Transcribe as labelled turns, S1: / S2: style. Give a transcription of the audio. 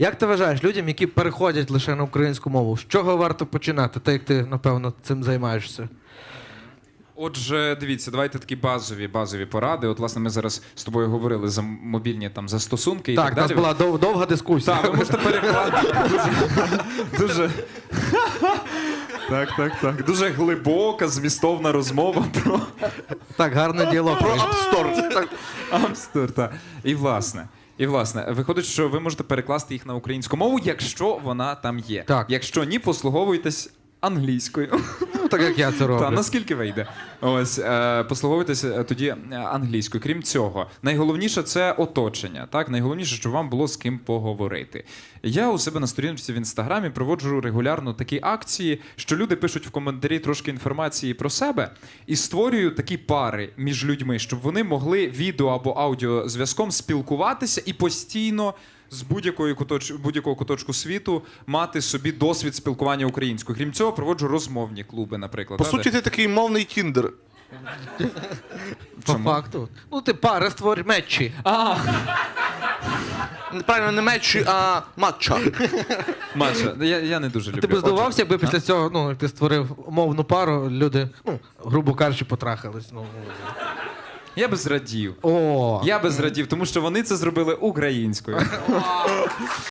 S1: Як ти вважаєш, людям, які переходять лише на українську мову, з чого варто починати? Так як ти, напевно, цим займаєшся.
S2: Отже, дивіться, давайте такі базові поради. От, власне, ми зараз з тобою говорили за мобільні там застосунки і так
S1: Так, у
S2: далі.
S1: нас була довга дискусія.
S2: Так, ви можете перекладати. Дуже... Так. Дуже глибока, змістовна розмова про
S1: Так, гарний діалог. Про
S3: Апстор.
S2: Амстер, так. І власне, виходить, що ви можете перекласти їх на українську мову, якщо вона там є.
S1: Так.
S2: Якщо ні, послуговуйтесь англійською.
S1: Ну, так як я це роблю.
S2: Та, наскільки вийде. Ось, послуговуйтеся тоді англійською. Крім цього, найголовніше – це оточення. Так? Найголовніше, щоб вам було з ким поговорити. Я у себе на сторінці в Інстаграмі проводжу регулярно такі акції, що люди пишуть в коментарі трошки інформації про себе і створюю такі пари між людьми, щоб вони могли відео або аудіозв'язком спілкуватися і постійно з будь-якого куточку світу мати собі досвід спілкування українською. Крім цього, проводжу розмовні клуби, наприклад.
S3: По суті, ти такий мовний тіндер.
S1: По факту. Ну, ти пари створюй, мечі.
S3: Правильно, не мечі, а матча.
S2: Маша, я не дуже люблю.
S1: Ти б здивувався, якби після цього, ну, як ти створив мовну пару, люди, ну, грубо кажучи, потрахались. Ну.
S2: Я би зрадів.
S1: О!
S2: Я би зрадів, тому що вони це зробили українською.